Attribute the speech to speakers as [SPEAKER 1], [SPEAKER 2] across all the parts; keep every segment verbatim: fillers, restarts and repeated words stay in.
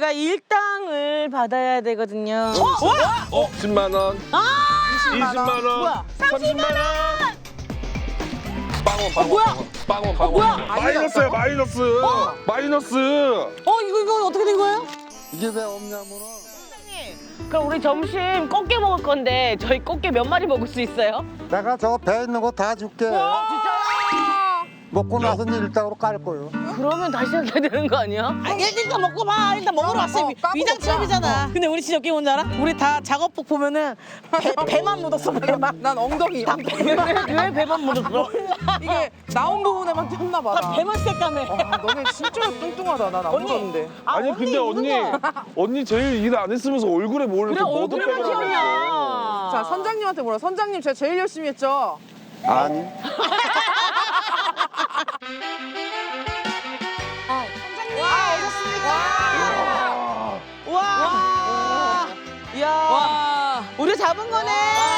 [SPEAKER 1] 저희가 일당을 받아야 되거든요.
[SPEAKER 2] 어? 어? 십만 원.
[SPEAKER 1] 아!
[SPEAKER 2] 이십만 원.
[SPEAKER 1] 뭐야?
[SPEAKER 2] 삼십만 원. 빵원, 빵원,
[SPEAKER 1] 뭐야?
[SPEAKER 2] 빵원, 빵원.
[SPEAKER 1] 뭐야?
[SPEAKER 2] 마이너스야, 마이너스. 마이너스.
[SPEAKER 1] 어 이거 이거 어떻게 된 거예요?
[SPEAKER 3] 이게 왜 없냐면은
[SPEAKER 1] 그럼 우리 점심 꽃게 먹을 건데 저희 꽃게 몇 마리 먹을 수 있어요?
[SPEAKER 3] 내가 저 배 있는 거 다 줄게.
[SPEAKER 1] 진짜요?
[SPEAKER 3] 먹고 나서 일당으로 깔 거요.
[SPEAKER 1] 그러면 다시 해야 되는 거 아니야?
[SPEAKER 4] 아, 일단 먹고 봐. 일단 먹으러 왔어. 위장 취업이잖아. 근데 우리 진짜 웃긴 뭔지 알아? 우리 다 작업복 보면은 배, 배만 묻었어, 배만.
[SPEAKER 5] 난 엉덩이.
[SPEAKER 1] 왜 배만 묻었어?
[SPEAKER 5] 이게 나온 부분에만 떴나 봐.
[SPEAKER 4] 나 배만 새까매.
[SPEAKER 5] 와, 너네 진짜 뚱뚱하다. 난 안 묻었는데.
[SPEAKER 2] 아니 근데 언니, 언니 제일 일 안 했으면서 얼굴에 뭘
[SPEAKER 1] 그래
[SPEAKER 2] 이렇게
[SPEAKER 1] 얼굴에만
[SPEAKER 2] 머드pe를
[SPEAKER 1] 튀었냐?
[SPEAKER 5] 자, 선장님한테 물어. 선장님 제가 제일 열심히 했죠?
[SPEAKER 3] 아니.
[SPEAKER 4] 와. 야.
[SPEAKER 1] 와.
[SPEAKER 4] 우리 잡은 거네.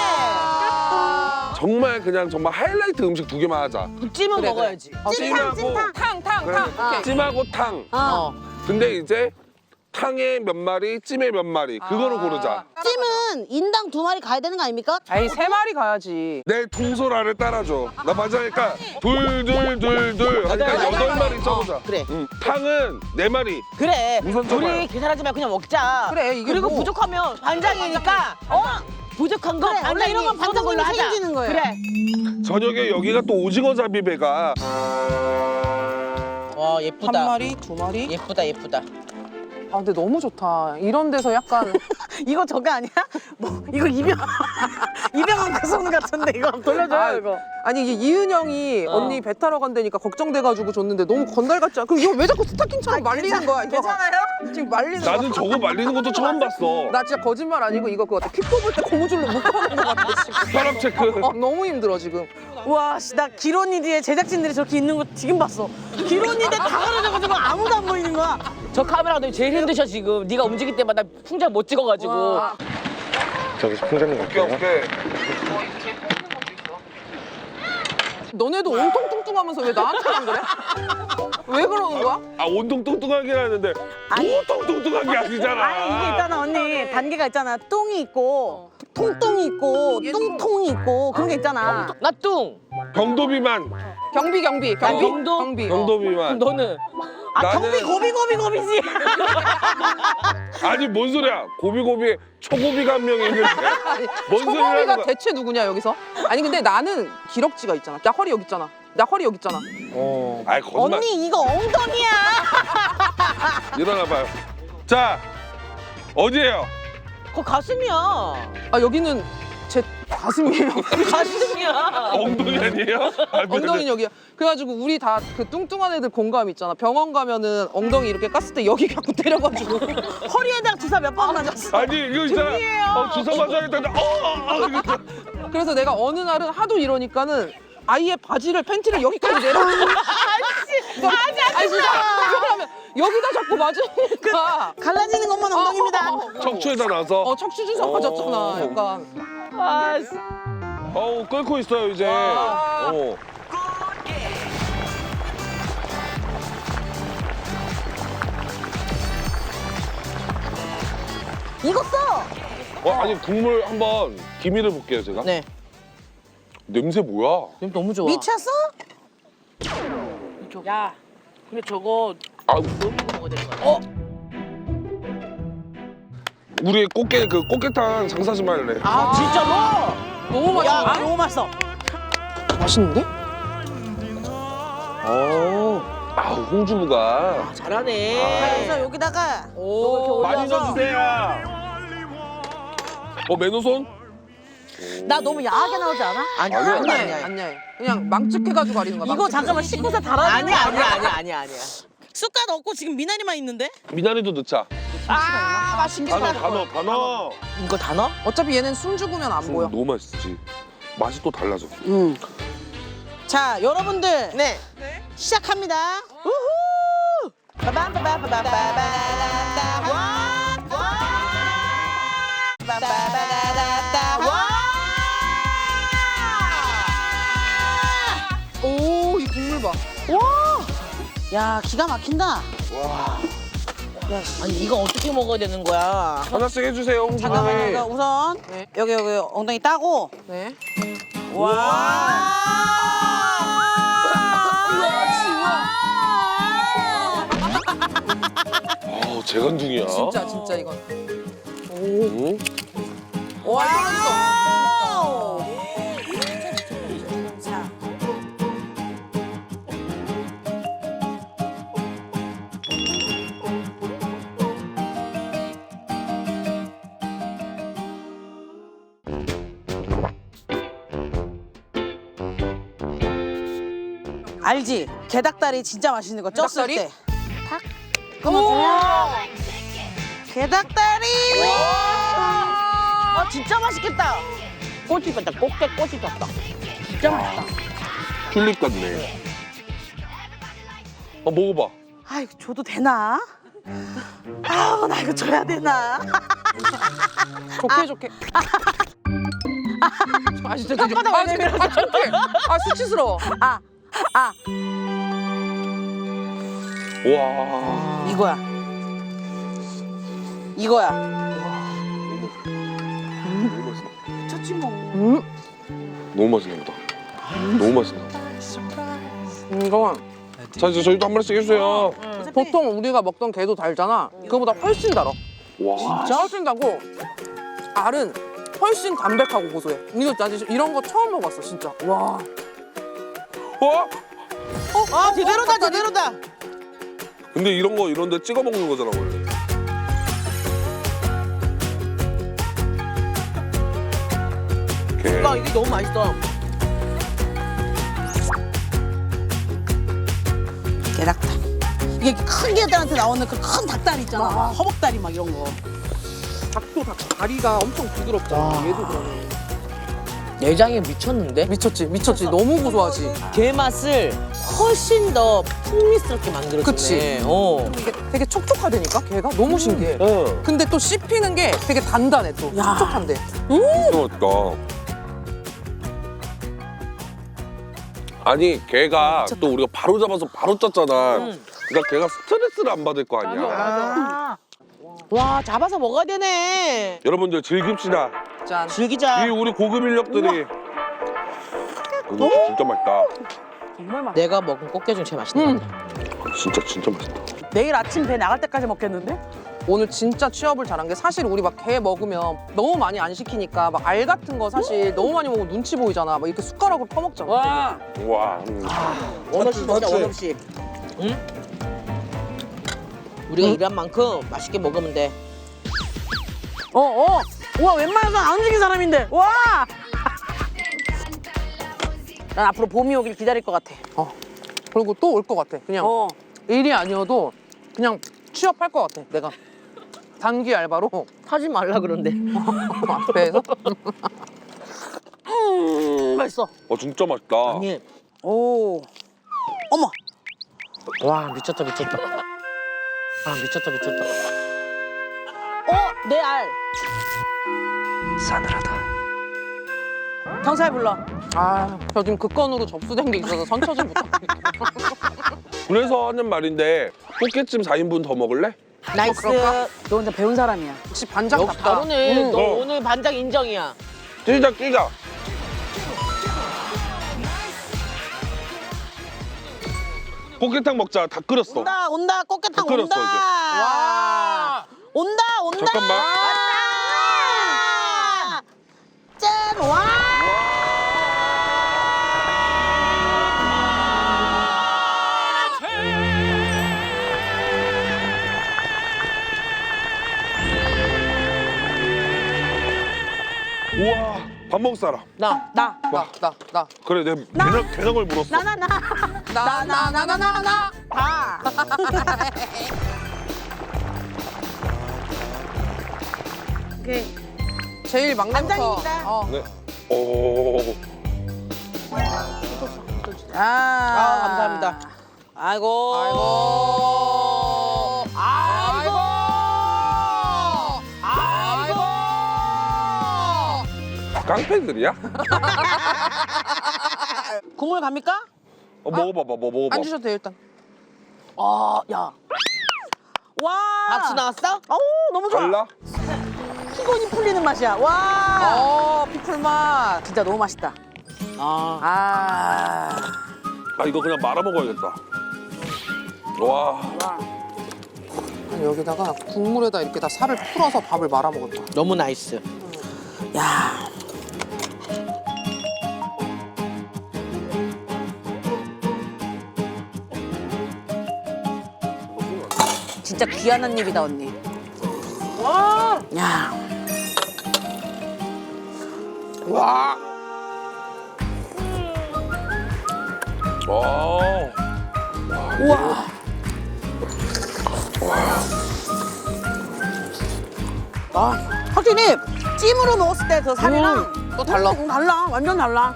[SPEAKER 2] 정말 그냥 정말 하이라이트 음식 두 개만 하자.
[SPEAKER 1] 찜은
[SPEAKER 5] 그래,
[SPEAKER 1] 먹어야지.
[SPEAKER 2] 찜하고
[SPEAKER 5] 탕, 탕,
[SPEAKER 2] 그래,
[SPEAKER 5] 탕. 오케이.
[SPEAKER 2] 찜하고 탕.
[SPEAKER 1] 어.
[SPEAKER 2] 근데 이제 탕에 몇 마리, 찜에 몇 마리 그거로 고르자.
[SPEAKER 4] 찜은 인당 두 마리 가야 되는 거 아닙니까?
[SPEAKER 5] 에이, 세 마리 가야지.
[SPEAKER 2] 내 통솔 아래 따라줘. 나 맞아니까 둘, 둘, 둘, 둘 하니까
[SPEAKER 1] 맞아,
[SPEAKER 2] 여덟
[SPEAKER 1] 맞아.
[SPEAKER 2] 마리 써보자.
[SPEAKER 4] 그래.
[SPEAKER 2] 응. 탕은 네 마리.
[SPEAKER 1] 그래.
[SPEAKER 2] 우선 쳐봐요.
[SPEAKER 1] 우리 계산하지 말고 그냥 먹자.
[SPEAKER 5] 그래, 이게
[SPEAKER 1] 그리고
[SPEAKER 5] 뭐.
[SPEAKER 1] 부족하면 반장이니까 어? 부족한 거
[SPEAKER 4] 그래, 원래
[SPEAKER 1] 반장이
[SPEAKER 4] 이런 건
[SPEAKER 1] 쏘는 걸로
[SPEAKER 4] 반장님이
[SPEAKER 1] 하자.
[SPEAKER 4] 책임지는 거예요.
[SPEAKER 1] 그래.
[SPEAKER 2] 저녁에 여기가 또 오징어 잡이배가
[SPEAKER 4] 와,
[SPEAKER 5] 한
[SPEAKER 4] 예쁘다.
[SPEAKER 5] 마리, 두 마리.
[SPEAKER 4] 예쁘다, 예쁘다.
[SPEAKER 5] 아, 근데 너무 좋다. 이런 데서 약간
[SPEAKER 4] 이거 저거 아니야? 뭐 이거 이병 이병헌 그 손 같은데 이거 한번 돌려줘요
[SPEAKER 5] 아,
[SPEAKER 4] 이거.
[SPEAKER 5] 아니 이게 이은영이
[SPEAKER 4] 어.
[SPEAKER 5] 언니 배 타러 간다니까 걱정돼가지고 줬는데 너무 건달 같지 않아? 그럼 이거 왜 자꾸 스타킹처럼 말리는 거야? 이거.
[SPEAKER 4] 괜찮아요?
[SPEAKER 5] 지금 말리는 거야.
[SPEAKER 2] 나는 저거 말리는 것도 처음 봤어.
[SPEAKER 5] 나 진짜 거짓말 아니고 이거 그거 같아. 피 뽑을 때 고무줄로 묶어놓은 거 같아 지금.
[SPEAKER 2] 혈압 체크.
[SPEAKER 5] 어, 너무 힘들어 지금.
[SPEAKER 4] 와, 씨, 나 기론이디에 제작진들이 저렇게 있는 거 지금 봤어. 기론이데 다 가려져가지고 아무도 안 보이는 거야.
[SPEAKER 1] 저 카메라 감독이 제일 힘드셔 지금. 네가 움직일 때마다 풍자 못 찍어가지고.
[SPEAKER 5] 와.
[SPEAKER 3] 저기 풍자님
[SPEAKER 2] 오케이 오케이.
[SPEAKER 5] 너네도 온통 뚱뚱하면서 왜 나한테만 그래? 왜 그러는 거야?
[SPEAKER 2] 아 온통 뚱뚱하긴 하는데 온통 뚱뚱한 게 아니잖아.
[SPEAKER 4] 아니 이게 있잖아 언니 단계가 있잖아. 똥이 있고 통똥이 있고 뚱통이 있고 그런 게 있잖아.
[SPEAKER 1] 나 뚱.
[SPEAKER 2] 경도비만.
[SPEAKER 5] 경비 경비 경비
[SPEAKER 1] 경도?
[SPEAKER 5] 경비. 어.
[SPEAKER 2] 경도비만.
[SPEAKER 1] 너는?
[SPEAKER 4] 아
[SPEAKER 2] 나는-
[SPEAKER 4] 경비 고비 고비 고비지.
[SPEAKER 2] 아니 뭔 소리야? 고비고비 초고비가 한 명이 있는데 뭔 소리야?
[SPEAKER 5] 초범이가 대체 누구냐 여기서? 아니 근데 나는 기럭지가 있잖아. 나 허리 여기 있잖아. 나 허리 여기 있잖아.
[SPEAKER 2] 어. 아이 거짓말.
[SPEAKER 4] 언니 이거 엉덩이야.
[SPEAKER 2] 일어나 봐요. 자 어디예요?
[SPEAKER 4] 그거 가슴이야.
[SPEAKER 5] 아 여기는 제 가슴이에요.
[SPEAKER 1] 가슴이야.
[SPEAKER 2] 엉덩이 아니에요? 아, 네,
[SPEAKER 5] 엉덩이
[SPEAKER 2] 네.
[SPEAKER 5] 여기야. 그래가지고 우리 다 그 뚱뚱한 애들 공감 있잖아. 병원 가면은 엉덩이 이렇게 깠을 때 여기 갖고 때려가지고
[SPEAKER 4] 허리에다 주사 몇 번 맞았어.
[SPEAKER 2] 아니 이거 있잖아. 어, 주사 맞아야겠다. 어, 어, 어, 이거.
[SPEAKER 5] 그래서 내가 어느 날은 하도 이러니까는 아예 바지를 팬티를 여기까지 내려. 아씨, 아니 진짜. 왜냐면 여기다 자꾸 맞으니까.
[SPEAKER 4] 갈라지는 것만 엉덩이입니다.
[SPEAKER 2] 척추에다 놔서.
[SPEAKER 5] 어 척추 주사 맞았잖아. 약간.
[SPEAKER 1] 아, 씨.
[SPEAKER 2] 어우 끓고 있어요 이제. 어.
[SPEAKER 4] 익었어.
[SPEAKER 2] 어 아니 국물 한번 기미를 볼게요 제가.
[SPEAKER 1] 네.
[SPEAKER 2] 냄새 뭐야?
[SPEAKER 1] 너무 좋아.
[SPEAKER 4] 미쳤어?
[SPEAKER 1] 야, 근데 저거
[SPEAKER 2] 아
[SPEAKER 1] 너무 먹어야 되는 거 같아.
[SPEAKER 2] 우리 꽃게 그 꽃게탕 장사 좀 할래.
[SPEAKER 1] 아, 진짜로?
[SPEAKER 5] 너무
[SPEAKER 4] 야
[SPEAKER 5] 맛있는데?
[SPEAKER 4] 너무 맛있어.
[SPEAKER 5] 맛있는데?
[SPEAKER 1] 오,
[SPEAKER 2] 아 홍주부가
[SPEAKER 1] 잘하네.
[SPEAKER 4] 그래서 여기다가
[SPEAKER 5] 오.
[SPEAKER 2] 많이 넣어주세요. 어 맨호손?
[SPEAKER 4] 나 너무 야하게 나오지 않아?
[SPEAKER 1] 아니야,
[SPEAKER 2] 아니야.
[SPEAKER 1] 아니야,
[SPEAKER 5] 아니야,
[SPEAKER 1] 아니야.
[SPEAKER 5] 아니야. 그냥 망측해가지고 가리는 거야.
[SPEAKER 4] 이거
[SPEAKER 5] 망측해서.
[SPEAKER 4] 잠깐만 씻고서 달아야
[SPEAKER 1] 아니야, 아니야, 아니야, 아니야, 아니야.
[SPEAKER 4] 숟가락 없고 지금 미나리만 있는데?
[SPEAKER 2] 미나리도 넣자.
[SPEAKER 1] 아, 맛있겠다.
[SPEAKER 2] 다 넣어 다 넣어 다 넣어.
[SPEAKER 1] 이거 다 넣어?
[SPEAKER 5] 어차피 얘는 숨 죽으면 안 보여.
[SPEAKER 2] 너무 맛있지. 맛이 또 달라져.
[SPEAKER 4] 응. 자 여러분들
[SPEAKER 1] 네.
[SPEAKER 4] 시작합니다. 우후. 빠밤빠밤빠밤빠밤. 와. 빠밤빠밤빠밤. 와.
[SPEAKER 5] 오, 이 국물 봐.
[SPEAKER 4] 야 기가 막힌다.
[SPEAKER 1] 아니 이거 어떻게 먹어야 되는 거야?
[SPEAKER 2] 하나씩 해주세요, 홍준이.
[SPEAKER 4] 잠깐만요. 이거 우선
[SPEAKER 5] 네.
[SPEAKER 4] 여기 여기 엉덩이 따고.
[SPEAKER 5] 네.
[SPEAKER 2] 아, 재간둥이야.
[SPEAKER 5] 진짜 진짜 이건.
[SPEAKER 2] 응?
[SPEAKER 5] 와 이거
[SPEAKER 4] 자. 알지? 게닭다리 진짜 맛있는 거 쪘을
[SPEAKER 5] 게닭다리?
[SPEAKER 4] 때. 탁. 그러면 게닭다리.
[SPEAKER 1] 아 진짜 맛있겠다. 꼬치 같다. 꽃게 꼬치 같다. 진짜 맛있다.
[SPEAKER 2] 튤립 같네. 어, 먹어봐.
[SPEAKER 4] 아 이거 줘도 되나? 아우 나 이거 줘야 되나?
[SPEAKER 5] 좋게 좋게. 아 진짜 되게
[SPEAKER 4] 혓바닥
[SPEAKER 5] 아,
[SPEAKER 4] 왜
[SPEAKER 5] 되게- 아 창피해. 아 수치스러워.
[SPEAKER 4] 아, 아
[SPEAKER 2] 와.
[SPEAKER 4] 이거야. 이거야.
[SPEAKER 2] 너무 맛있어.
[SPEAKER 4] 미쳤지 뭐.
[SPEAKER 2] 너무 맛있나 보다. 너무 맛있나 보다.
[SPEAKER 5] 이거
[SPEAKER 2] 자, 이제 저희도 한 마리씩 해주세요.
[SPEAKER 5] 보통 우리가 먹던 게도 달잖아. 그거보다 훨씬 달아.
[SPEAKER 2] 와.
[SPEAKER 5] 진짜 훨씬 달고 알은 훨씬 담백하고 고소해. 이거 나 진짜 이런 거 처음 먹었어 진짜. 와.
[SPEAKER 2] 어?
[SPEAKER 4] 아 제대로다 제대로다.
[SPEAKER 2] 근데 이런 거 이런 데 찍어 먹는 거잖아, 원래.
[SPEAKER 1] 아 이게 너무 맛있어.
[SPEAKER 4] 게닭다. 이게 큰 게들한테 나오는 그 큰 닭다리 있잖아. 허벅다리 막 이런 거.
[SPEAKER 5] 닭도 닭 다리가 엄청 부드럽잖아. 얘도 그러네.
[SPEAKER 1] 내장이 미쳤는데?
[SPEAKER 5] 미쳤지 미쳤지. 너무 고소하지.
[SPEAKER 1] 게 맛을 훨씬 더 풍미스럽게 만들어주네.
[SPEAKER 5] 그치.
[SPEAKER 1] 어.
[SPEAKER 5] 이게 되게 촉촉하다니까 걔가 너무 신기해.
[SPEAKER 2] 어.
[SPEAKER 5] 근데 또 씹히는 게 되게 단단해 또.
[SPEAKER 4] 야.
[SPEAKER 5] 촉촉한데.
[SPEAKER 2] 진짜 맛있다. 아니, 걔가 또 우리가 바로 잡아서 바로 쪘잖아. 그러니까 걔가 스트레스를 안 받을 거 아니야.
[SPEAKER 1] 아. 와 잡아서 먹어야 되네.
[SPEAKER 2] 여러분들 즐깁시다.
[SPEAKER 5] 짠.
[SPEAKER 1] 즐기자.
[SPEAKER 2] 이 우리 고급 인력들이. 이거 진짜 맛있다.
[SPEAKER 5] 정말 맛.
[SPEAKER 1] 내가 먹은 꽃게 중 제일 맛있는
[SPEAKER 5] 음.
[SPEAKER 1] 것 같아.
[SPEAKER 2] 진짜 진짜 맛있다.
[SPEAKER 4] 내일 아침 배 나갈 때까지 먹겠는데?
[SPEAKER 5] 오늘 진짜 취업을 잘한 게 사실 우리 막 게 먹으면 너무 많이 안 시키니까 막 알 같은 거 사실 너무 많이 먹으면 눈치 보이잖아. 막 이렇게 숟가락으로 퍼먹잖아.
[SPEAKER 1] 와
[SPEAKER 2] 와. 음.
[SPEAKER 1] 원없이 먹자
[SPEAKER 2] 맞지?
[SPEAKER 1] 원없이. 응? 우리가 일한 만큼 맛있게 먹으면 돼.
[SPEAKER 4] 어 어. 와 웬만해서 안 움직인 사람인데. 와. 난 앞으로 봄이 오길 기다릴 것 같아.
[SPEAKER 5] 어. 그리고 또 올 것 같아. 그냥
[SPEAKER 4] 어.
[SPEAKER 5] 일이 아니어도 그냥 취업할 것 같아. 내가 단기 알바로
[SPEAKER 1] 하지 말라 그런데.
[SPEAKER 5] 앞에서.
[SPEAKER 4] 음 맛있어.
[SPEAKER 2] 어, 진짜 맛있다.
[SPEAKER 1] 아니
[SPEAKER 4] 오. 어머.
[SPEAKER 1] 와 미쳤다 미쳤다. 아 미쳤다 미쳤다. 어? 내 알.
[SPEAKER 4] 경찰 불러.
[SPEAKER 5] 아, 저 지금 그 건으로 접수된 게 있어서 선처 좀 부탁드릴게요.
[SPEAKER 2] 그래서 하는 말인데 꽃게찜 사 인분 더 먹을래?
[SPEAKER 1] 나이스.
[SPEAKER 5] 그럴까?
[SPEAKER 4] 너 혼자 배운 사람이야.
[SPEAKER 5] 역시 반장
[SPEAKER 1] 역시
[SPEAKER 5] 같다.
[SPEAKER 1] 다르네.
[SPEAKER 5] 응.
[SPEAKER 1] 너
[SPEAKER 2] 어.
[SPEAKER 1] 오늘 반장 인정이야.
[SPEAKER 2] 뛰자 뛰자. 꽃게탕 먹자. 다 끓였어.
[SPEAKER 4] 온다 온다 꽃게탕
[SPEAKER 2] 다 끓였어,
[SPEAKER 4] 온다.
[SPEAKER 2] 이제.
[SPEAKER 5] 와.
[SPEAKER 4] 온다 온다.
[SPEAKER 2] 잠깐만.
[SPEAKER 4] 왔다. 짠 와.
[SPEAKER 2] 우와, 밥 먹을 사람.
[SPEAKER 1] 나.
[SPEAKER 4] 나.
[SPEAKER 5] 나, 나, 나.
[SPEAKER 2] 그래, 내 개능, 개능을 물었어.
[SPEAKER 4] 나 나 나.
[SPEAKER 5] 나, 나, 나, 나, 나, 나.
[SPEAKER 4] 다. 오케이.
[SPEAKER 5] 제일 막내부터.
[SPEAKER 4] 반장입니다.
[SPEAKER 5] 어.
[SPEAKER 2] 네. 오.
[SPEAKER 4] 아,
[SPEAKER 1] 아 감사합니다. 아이고.
[SPEAKER 5] 아이고.
[SPEAKER 1] 아이고.
[SPEAKER 5] 아이고.
[SPEAKER 2] 깡패들이야?
[SPEAKER 4] 국물 갑니까?
[SPEAKER 2] 어, 먹어봐봐, 뭐 먹어봐.
[SPEAKER 5] 안 주셔도 돼요, 일단.
[SPEAKER 4] 아, 야. 와.
[SPEAKER 1] 박수 나왔어?
[SPEAKER 4] 어우 너무 좋아.
[SPEAKER 2] 달라?
[SPEAKER 4] 피곤이 풀리는 맛이야. 와.
[SPEAKER 5] 어 피클 맛.
[SPEAKER 4] 진짜 너무 맛있다.
[SPEAKER 1] 아.
[SPEAKER 4] 아.
[SPEAKER 2] 아 이거 그냥 말아 먹어야겠다. 와.
[SPEAKER 5] 여기다가 국물에다 이렇게 다 살을 풀어서 밥을 말아 먹었다.
[SPEAKER 1] 너무 나이스.
[SPEAKER 4] 야. 진짜 귀한 한 입이다 언니.
[SPEAKER 1] 와.
[SPEAKER 4] 야.
[SPEAKER 2] 와. 와.
[SPEAKER 4] 우와. 아, 확실히 찜으로 먹었을 때 그 살이랑
[SPEAKER 5] 또 달라.
[SPEAKER 4] 음, 달라. 완전 달라.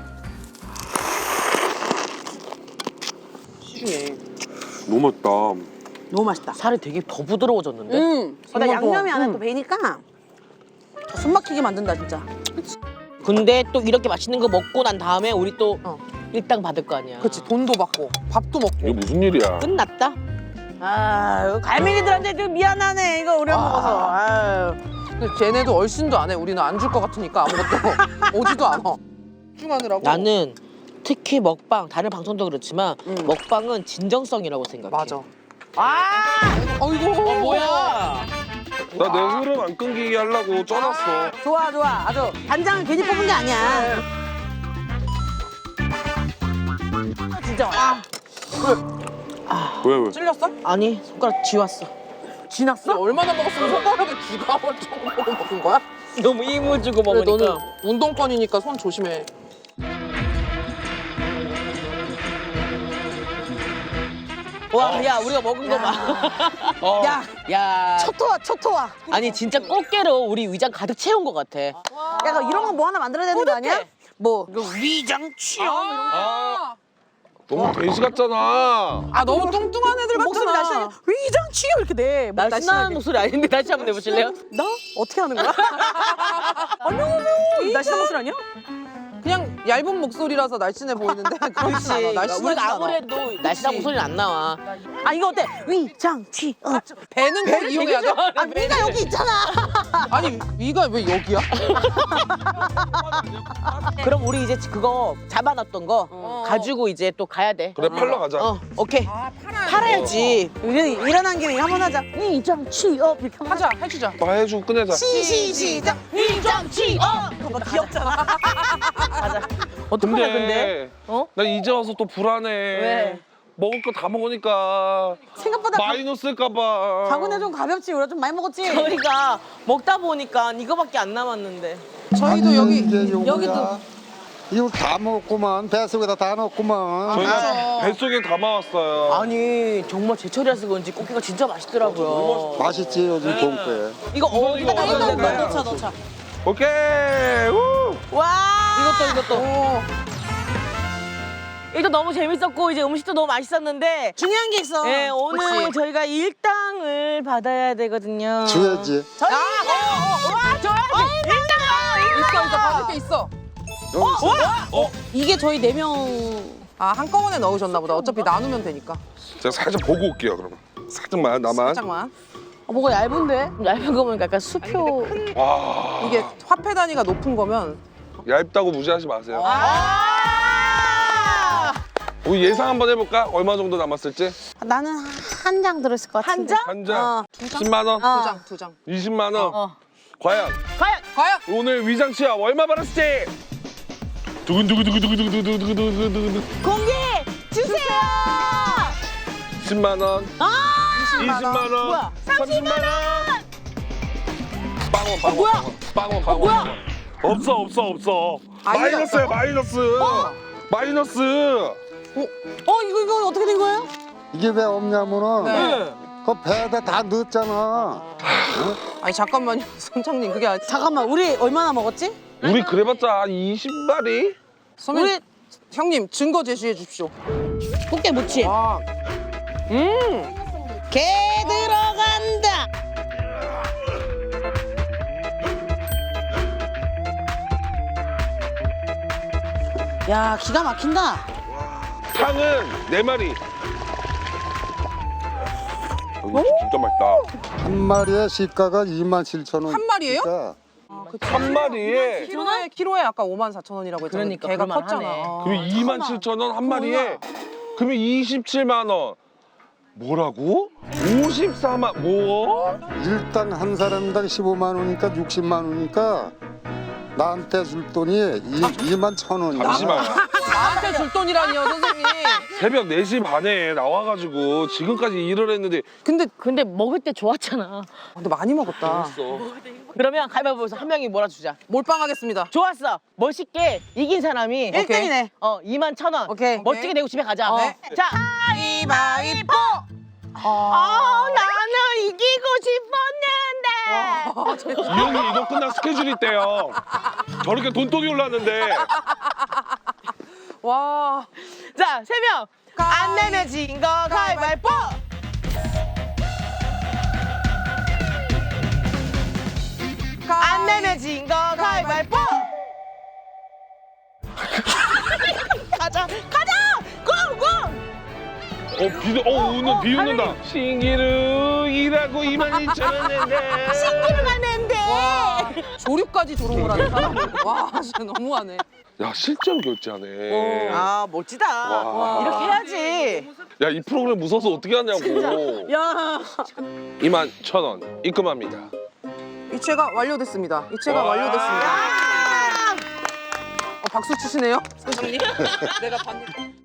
[SPEAKER 5] 시중에.
[SPEAKER 2] 너무 맛있다.
[SPEAKER 4] 너무 맛있다.
[SPEAKER 1] 살이 되게 더 부드러워졌는데?
[SPEAKER 4] 음. 근데
[SPEAKER 5] 정말
[SPEAKER 4] 양념이
[SPEAKER 5] 좋아.
[SPEAKER 4] 안에
[SPEAKER 5] 음.
[SPEAKER 4] 또 배니까 숨 막히게 만든다 진짜.
[SPEAKER 1] 근데 또 이렇게 맛있는 거 먹고 난 다음에 우리 또
[SPEAKER 5] 어.
[SPEAKER 1] 일당 받을 거 아니야.
[SPEAKER 5] 그치 돈도 받고 밥도 먹고.
[SPEAKER 2] 이게 무슨 일이야?
[SPEAKER 1] 끝났다.
[SPEAKER 4] 아, 갈매기들한테 좀 미안하네. 이거 우리가 먹어서. 아유.
[SPEAKER 5] 근데 쟤네도 얼씬도 안 해. 우리는 안 줄 것 같으니까 아무것도 오지도 않아. 집중하느라고.
[SPEAKER 1] 나는 특히 먹방, 다른 방송도 그렇지만
[SPEAKER 4] 음.
[SPEAKER 1] 먹방은 진정성이라고 생각해.
[SPEAKER 5] 맞아.
[SPEAKER 4] 아!
[SPEAKER 5] 어이구
[SPEAKER 1] 뭐야?
[SPEAKER 2] 나 내 흐름 안 끊기게 하려고 쪄놨어.
[SPEAKER 4] 좋아, 좋아. 아주 간장을 괜히 뽑은 게 아니야. 진짜. 아,
[SPEAKER 2] 왜 왜?
[SPEAKER 5] 찔렸어?
[SPEAKER 1] 아니 손가락 쥐왔어.
[SPEAKER 4] 지났어?
[SPEAKER 5] 근데 얼마나 먹었으면 손가락에 쥐가 얼마나 먹은 거야?
[SPEAKER 1] 너무 힘을 주고
[SPEAKER 5] 그래,
[SPEAKER 1] 먹으니까.
[SPEAKER 5] 너는 운동권이니까 손 조심해.
[SPEAKER 1] 와, 야 우리가 먹은 거 봐.
[SPEAKER 2] 어.
[SPEAKER 4] 야,
[SPEAKER 1] 야,
[SPEAKER 4] 초토화, 초토화.
[SPEAKER 1] 아니 진짜 꽃게로 우리 위장 가득 채운 것 같아.
[SPEAKER 4] 약간 이런 거 뭐 하나 만들어야 되는 거 아니야? 뭐 위장 취업 이런 거.
[SPEAKER 2] 아. 너무 돼지 같잖아.
[SPEAKER 5] 아 너무 뚱뚱한 애들
[SPEAKER 4] 목소리
[SPEAKER 5] 같잖아.
[SPEAKER 4] 날씬하게 위장 취업 이렇게 내. 목
[SPEAKER 1] 날씬한
[SPEAKER 4] 날씬하게.
[SPEAKER 1] 목소리 아닌데 다시 한번 내보실래요?
[SPEAKER 4] 나? 어떻게 하는 거야? 안녕하세요. 날씬한 목소리 아니야?
[SPEAKER 5] 그냥 얇은 목소리라서 날씬해 보이는데 그렇지 않아. 날씬하지
[SPEAKER 1] 우리가
[SPEAKER 5] 않아.
[SPEAKER 1] 아무래도 날씬한 목소리는 안 나와.
[SPEAKER 4] 아 이거 어때? 위장 취업.
[SPEAKER 5] 배는 꼭 이용해야 돼?
[SPEAKER 4] 아 위가 여기 있잖아.
[SPEAKER 5] 아니 위가 왜 여기야?
[SPEAKER 1] 그럼 우리 이제 그거 잡아놨던 거
[SPEAKER 5] 어.
[SPEAKER 1] 가지고 이제 또 가야 돼.
[SPEAKER 2] 그래 팔러 가자.
[SPEAKER 1] 어, 오케이.
[SPEAKER 5] 아 팔아야
[SPEAKER 1] 팔아야지.
[SPEAKER 4] 우리 일어난 김에 한번 하자. 위장 취업 이렇게 한번
[SPEAKER 5] 하자 해주자.
[SPEAKER 2] 나 해주고 끝내자.
[SPEAKER 4] 시시 시작.
[SPEAKER 1] 위장 취업.
[SPEAKER 4] 그거 귀엽잖아.
[SPEAKER 1] 가자. 어떡하냐 근데? 어?
[SPEAKER 2] 나 이제 와서 또 불안해.
[SPEAKER 1] 왜?
[SPEAKER 2] 먹을 거 다 먹으니까
[SPEAKER 4] 생각보다 바,
[SPEAKER 2] 마이너스일까봐.
[SPEAKER 4] 바구니 좀 가볍지. 우리가 좀 많이 먹었지.
[SPEAKER 1] 저희가 먹다 보니까 이거밖에 안 남았는데.
[SPEAKER 5] 저희도 여기
[SPEAKER 3] 이게 요거야.
[SPEAKER 5] 여기도
[SPEAKER 3] 이거 다 먹었구만. 뱃속에다 다 넣었구만.
[SPEAKER 2] 저희가
[SPEAKER 5] 맞아.
[SPEAKER 2] 뱃속에 담아왔어요.
[SPEAKER 1] 아니 정말 제철이라서 그런지 꽃게가 진짜 맛있더라고요.
[SPEAKER 3] 맛있지 요즘 봄에.
[SPEAKER 1] 이거 어디다
[SPEAKER 2] 이거
[SPEAKER 1] 넣어야
[SPEAKER 2] 넣어야
[SPEAKER 1] 되나요?
[SPEAKER 4] 넣자 넣자.
[SPEAKER 2] 오케이. 우!
[SPEAKER 1] 와 이것도 이것도.
[SPEAKER 5] 오,
[SPEAKER 1] 이거 너무 재밌었고 이제 음식도 너무 맛있었는데.
[SPEAKER 4] 중요한 게 있어.
[SPEAKER 1] 네 오늘
[SPEAKER 5] 그치.
[SPEAKER 1] 저희가 일당을 받아야 되거든요.
[SPEAKER 3] 줘야지.
[SPEAKER 1] 저희 아, 어, 어, 와 줘야지. 일당.
[SPEAKER 5] 있어 있어 받을 게 있어.
[SPEAKER 3] 여기 있어.
[SPEAKER 4] 이게 저희 네 명.
[SPEAKER 5] 아 한꺼번에 넣으셨나 보다. 어차피 나누면 되니까.
[SPEAKER 2] 제가 살짝 보고 올게요 그러면. 살짝만 나만.
[SPEAKER 5] 살짝만.
[SPEAKER 4] 어, 뭐가 얇은데?
[SPEAKER 1] 얇은 거 보니까 약간 수표.
[SPEAKER 2] 와.
[SPEAKER 5] 이게 화폐 단위가 높은 거면
[SPEAKER 2] 얇다고 무시하지 마세요.
[SPEAKER 1] 아.
[SPEAKER 2] 우리 예상 한번 해볼까? 얼마 정도 남았을지?
[SPEAKER 4] 나는 한 장 들었을 것 같은데.
[SPEAKER 1] 한 장?
[SPEAKER 2] 한 장?
[SPEAKER 4] 어.
[SPEAKER 2] 십만 원?
[SPEAKER 4] 어.
[SPEAKER 5] 두 장, 두 장.
[SPEAKER 2] 이십만 원?
[SPEAKER 1] 어.
[SPEAKER 2] 과연
[SPEAKER 1] 과연
[SPEAKER 5] 과연
[SPEAKER 2] 오늘 위장 취업 얼마 받았을지? 두근두근두근두근두근두근두근두근
[SPEAKER 1] 공개 주세요.
[SPEAKER 2] 십만 원?
[SPEAKER 1] 아
[SPEAKER 2] 이십만 원?
[SPEAKER 1] 뭐야?
[SPEAKER 2] 삼십만 원? 빵원 빵원
[SPEAKER 1] 뭐야?
[SPEAKER 2] 빵원 빵원
[SPEAKER 1] 뭐야?
[SPEAKER 2] 빵원. 없어 없어 없어
[SPEAKER 5] 아니다.
[SPEAKER 2] 마이너스야 마이너스 마이너스
[SPEAKER 4] 어 이거 이거 어떻게 된 거예요?
[SPEAKER 3] 이게 왜 없냐면은
[SPEAKER 5] 네.
[SPEAKER 3] 그 배에다 다 넣었잖아.
[SPEAKER 5] 아니 잠깐만요, 선장님 그게 아니.
[SPEAKER 4] 잠깐만 우리 얼마나 먹었지?
[SPEAKER 2] 우리 그래봤자 한 이십 마리?
[SPEAKER 5] 선배님,
[SPEAKER 4] 우리-
[SPEAKER 5] 형님 증거 제시해 주십시오.
[SPEAKER 4] 꽃게 무침.
[SPEAKER 5] 아,
[SPEAKER 4] 게 들어간다. 야 기가 막힌다.
[SPEAKER 2] 탕은 네 마리 여기 진짜 맛있다.
[SPEAKER 3] 한 마리의 시가가 이만 칠천 원.
[SPEAKER 5] 한 마리예요?
[SPEAKER 2] 한 마리에
[SPEAKER 5] 키로에 키로에 아까 오만 사천 원이라고 했잖아.
[SPEAKER 1] 그러니까,
[SPEAKER 5] 걔가
[SPEAKER 1] 그럴만
[SPEAKER 5] 컸잖아.
[SPEAKER 1] 하네.
[SPEAKER 5] 아.
[SPEAKER 2] 그러면 이만 칠천 원 한 마리에 그러면 이십칠만 원. 뭐라고? 오십사만 뭐?
[SPEAKER 3] 일당 한 사람당 십오만 원이니까 육십만 원이니까 나한테 줄 돈이 이만 천 원이야.
[SPEAKER 2] 잠시만.
[SPEAKER 5] 나한테 줄 돈이라니요, 선생님.
[SPEAKER 2] 새벽 네 시 반에 나와가지고 지금까지 일을 했는데
[SPEAKER 5] 근데
[SPEAKER 1] 근데 먹을 때 좋았잖아.
[SPEAKER 5] 근데 많이 먹었다.
[SPEAKER 1] 그러면 가위바위보에서 한 명이 몰아주자.
[SPEAKER 5] 몰빵하겠습니다.
[SPEAKER 1] 좋았어. 멋있게 이긴 사람이
[SPEAKER 5] 일 등이네.
[SPEAKER 1] 어 이만 천 원.
[SPEAKER 5] 오케이.
[SPEAKER 1] 멋지게 내고 집에 가자.
[SPEAKER 5] 네.
[SPEAKER 1] 자,
[SPEAKER 5] 가위바위보.
[SPEAKER 1] 아 나는 이기고 싶었는데.
[SPEAKER 2] 이 형이 이거 끝나 스케줄 있대요. 저렇게 돈독이 올랐는데
[SPEAKER 5] 와.
[SPEAKER 1] 자, 세 명. 안 내면 진 거 가위바위보. 안 내면 진 거 가위바위보. 가자, 가자. 고, 고.
[SPEAKER 2] 어 비도 어 오늘 비 웃는다. 신기루 일하고 이만 이천 원 낸대.
[SPEAKER 1] 신기루 가는데.
[SPEAKER 5] 와. 조류까지 졸업을 하는 사람. 와, 진짜 너무하네.
[SPEAKER 2] 야 실제로 결제하네.
[SPEAKER 1] 아, 멋지다.
[SPEAKER 2] 와.
[SPEAKER 1] 이렇게 해야지.
[SPEAKER 2] 야 이 프로그램 무서워서 어떻게 하냐고.
[SPEAKER 1] 야.
[SPEAKER 2] 이만 천 원 입금합니다.
[SPEAKER 5] 이체가 완료됐습니다. 이체가
[SPEAKER 2] 와.
[SPEAKER 5] 완료됐습니다. 어, 박수 치시네요, 선생님. 내가 봤는데.